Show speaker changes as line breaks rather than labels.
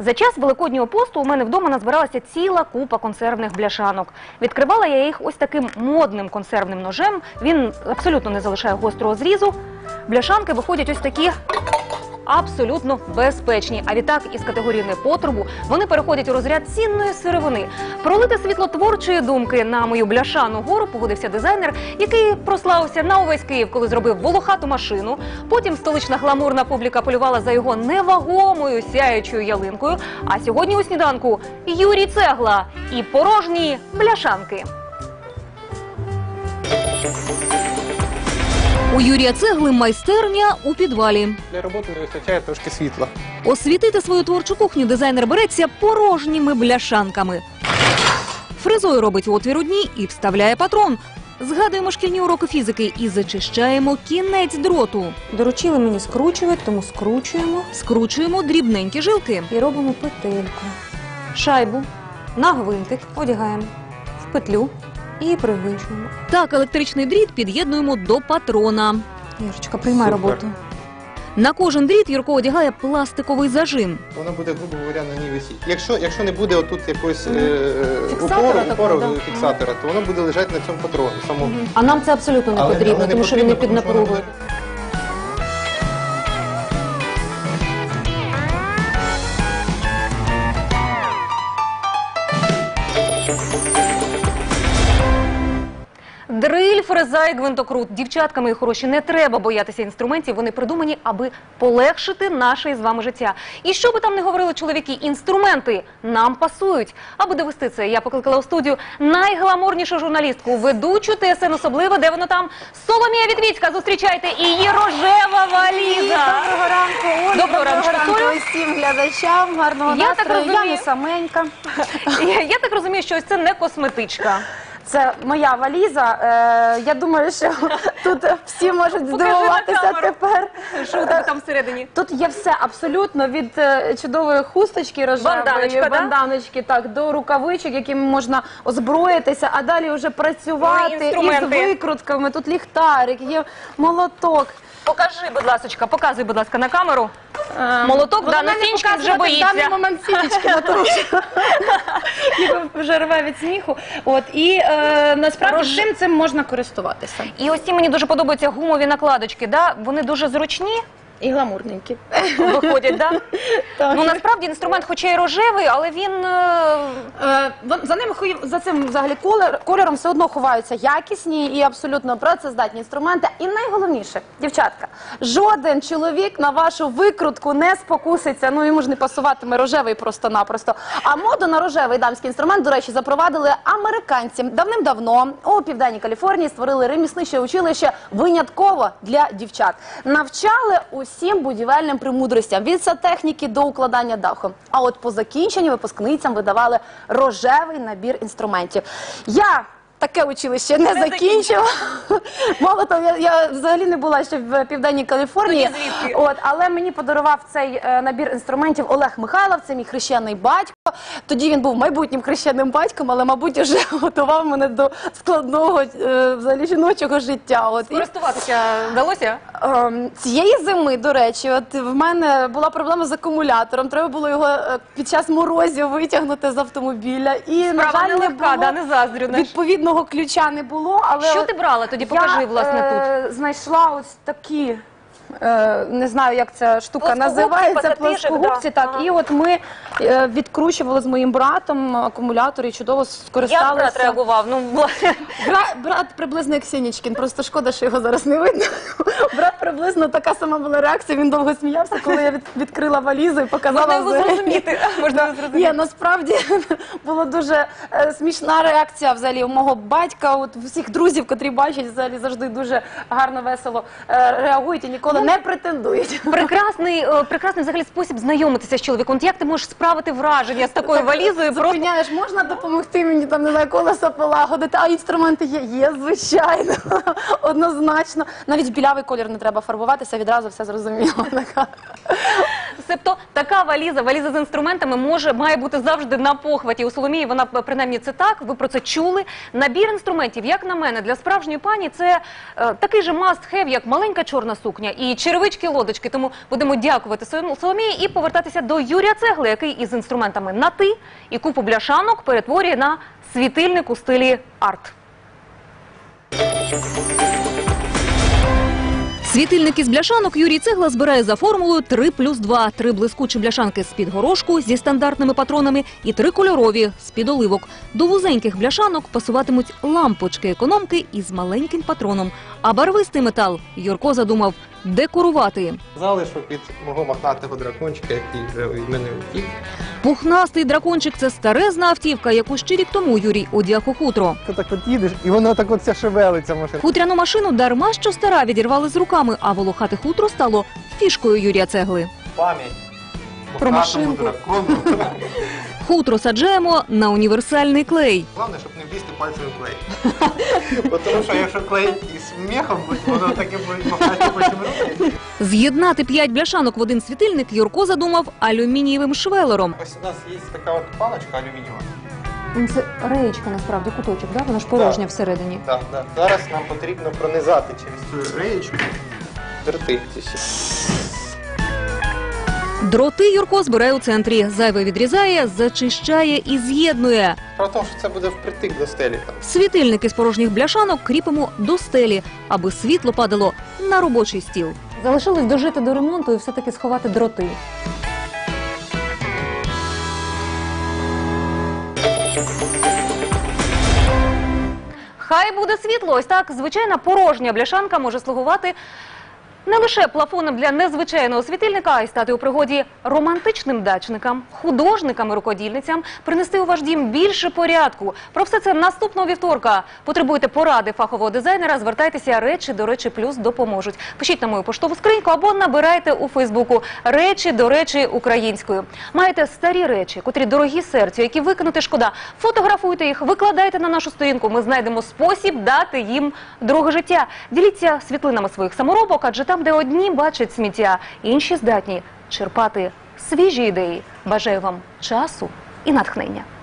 За час Великоднього посту у мене вдома назбиралася ціла купа консервних бляшанок. Відкривала я їх ось таким модним консервним ножем. Він абсолютно не залишає гострого зрізу. Бляшанки виходять ось такі абсолютно безпечні. А відтак із категорії непотребу вони переходять у розряд цінної сировини. Пролити світло творчої думки на мою бляшану гору погодився дизайнер, який прославився на увесь Київ, коли зробив волохату машину. Потім столична гламурна публіка полювала за його невагомою сяючою ялинкою. А сьогодні у сніданку Юрій Цегла і порожні бляшанки. У Юрія Цегли майстерня у підвалі.
Для роботи не вистачає трошки світла.
Освітити свою творчу кухню дизайнер береться порожніми бляшанками. Фрезою робить отвір у дні і вставляє патрон. Згадуємо шкільні уроки фізики і зачищаємо кінець дроту.
Доручили мені скручувати, тому скручуємо.
Скручуємо дрібненькі жилки.
І робимо петельку. Шайбу на гвинтик одягаємо в петлю і пригвинчуємо.
Так електричний дріт під'єднуємо до патрона.
Юрочка, приймай
Супер.
роботу.
На кожен дріт Юрко одягає пластиковий зажим.
Воно буде, грубо говоря, на ній висіти. Якщо не буде отут якогось
Фіксатора такого,
упору
да.
фіксатора, то воно буде лежати на цьому патроні. Самому.
А нам це абсолютно не
Але
потрібно,
не
тому що він не
потрібно,
під
тому що воно
напругою.
Дриль, фреза і гвинтокрут. Дівчаткам, мої хороші, не треба боятися інструментів. Вони придумані, аби полегшити наше із вами життя. І що би там не говорили чоловіки, інструменти нам пасують. Аби довести це, я покликала у студію найгламурнішу журналістку, ведучу ТСН «Особливо», де воно там, Соломія Вітвіцька. Зустрічайте, і її рожева валіза.
Доброго ранку, Олі.
Доброго ранку, Солю.
Усім глядачам. Гарного
Я так
настрою. Я
розумію.
не саменька.
Я так розумію, що ось це не косметичка.
Це моя валіза. Я думаю, що тут всі можуть
Покажи
здивуватися
на камеру.
тепер.
Що у тебе там всередині?
Тут є все абсолютно від чудової хусточки рожевої,
Банданочка, да?
банданочки, так, до рукавичок, якими можна озброїтися, а далі вже працювати із
інструменти.
викрутками. Тут ліхтарик, є молоток.
Покажи, будь ласка, показуй, будь ласка, на камеру. Молоток,
Вона
да, на
не
стінчик вже
показувати в
боїться.
даний момент сіточки на тому, що його вже рве від сміху. От, і насправді цим можна користуватися.
І ось ці мені дуже подобаються гумові накладочки, да? Вони дуже зручні
І гламурненькі.
виходять, да?
Так.
Ну, насправді, інструмент хоча й рожевий, але він...
За цим взагалі кольором все одно ховаються якісні і абсолютно працездатні інструменти. І найголовніше, дівчатка, жоден чоловік на вашу викрутку не спокуситься, ну йому ж не пасуватиме рожевий просто-напросто. А моду на рожевий дамський інструмент, до речі, запровадили американці. Давним-давно у Південній Каліфорнії створили ремісниче училище винятково для дівчат. Навчали усім будівельним премудростям, від сантехніки до укладання даху. А от по закінченню випускницям видавали рожевий набір інструментів. Я таке училище не закінчила. Мало того, я взагалі не була ще в Південній Каліфорнії.
Тоді звідки?
От, але мені подарував цей набір інструментів Олег Михайлов, це мій хрещений батько. Тоді він був майбутнім хрещеним батьком, але, мабуть, вже готував мене до складного взагалі жіночого життя. От, і,
Користуватися вдалося?
цієї зими, до речі, от в мене була проблема з акумулятором. Треба було його під час морозів витягнути з автомобіля. І, на
Справа
жаль, не
нелегка,
було.
да, не заздрю.
Відповідного ключа не було, але
Що ти брала тоді? Покажи, власне,
тут. Знайшла ось такі, не знаю, як ця штука
Плоскогубці,
називається,
пакетишок,
плоскогубці,
да.
так.
Ага.
І от ми відкручували з моїм братом акумулятор і чудово
Як
скористалися.
брат реагував? Ну,
Брат приблизно як Сінічкін, просто шкода, що його зараз не видно. Брат приблизно така сама була реакція, він довго сміявся, коли я відкрила валізу і показала.
можна його
взагалі.
зрозуміти. Можна його зрозуміти.
Ні, насправді була дуже смішна реакція взагалі у мого батька, от всіх друзів, котрі бачать, взагалі завжди дуже гарно, весело реагують і ніколи не претендують.
Прекрасний взагалі спосіб знайомитися з чоловіком. От як ти можеш справити враження з такою валізою? Просто
Зупиняєш, можна допомогти мені, там, не знаю, колесо полагодити, а інструменти є? Є, звичайно, однозначно. Навіть білявий колір не треба фарбуватися, відразу все зрозуміло.
Себто така валіза з інструментами має бути завжди на похваті. У Соломії вона, принаймні, це так, ви про це чули. Набір інструментів, як на мене, для справжньої пані це такий же must-have, як маленька чорна сукня і черевички-лодочки. Тому будемо дякувати Соломії і повертатися до Юрія Цегли, який із інструментами на «ти» і купу бляшанок перетворює на світильник у стилі арт. Світильник із бляшанок Юрій Цегла збирає за формулою 3+2. 3 блискучі бляшанки з-під горошку зі стандартними патронами і 3 кольорові з-під оливок. До вузеньких бляшанок пасуватимуть лампочки-економки із маленьким патроном. А барвистий метал Юрко задумав декорувати.
Залишу під мого мохнатого дракончика, який вже від мене утік.
Пухнастий дракончик – це старезна автівка, яку ще рік тому Юрій одяг у хутро.
Ти так от їдеш, і воно так от шевелиться машина.
Хутряну машину дарма що стара відірвали з руками, а волохате хутро стало фішкою Юрія Цегли.
Пам'ять.
Про
Мохнатому
машинку.
дракону.
Хутро саджаємо на універсальний клей.
Головне, щоб не влізти пальцем в клей. Тому що якщо клей із мехом, воно таке буде махати потім руки.
З'єднати 5 бляшанок в один світильник Юрко задумав алюмінієвим швелером.
Ось у нас є така от паличка алюмінієва.
Це реєчка, насправді, куточок, да? Вона ж порожня всередині.
Так, так. Зараз нам потрібно пронизати через цю реєчку дроти.
Дроти Юрко збирає у центрі. Зайве відрізає, зачищає і з'єднує.
Про те, що це буде впритик до стелі.
Світильники з порожніх бляшанок кріпимо до стелі, аби світло падало на робочий стіл.
Залишилось дожити до ремонту і все-таки сховати дроти.
Хай буде світло. Ось так звичайна порожня бляшанка може слугувати не лише плафоном для незвичайного світильника, а й стати у пригоді романтичним дачникам, художникам і рукодільницям, принести у ваш дім більше порядку. Про все це наступного вівторка. Потребуєте поради фахового дизайнера, звертайтеся, «Речі до речі плюс» допоможуть. Пишіть на мою поштову скриньку або набирайте у Фейсбуку «Речі до речі українською». Маєте старі речі, котрі дорогі серцю, які викинути шкода. Фотографуйте їх, викладайте на нашу сторінку. Ми знайдемо спосіб дати їм друге життя. Діліться світлинами своїх саморобок, адже там, де одні бачать сміття, інші здатні черпати свіжі ідеї. Бажаю вам часу і натхнення.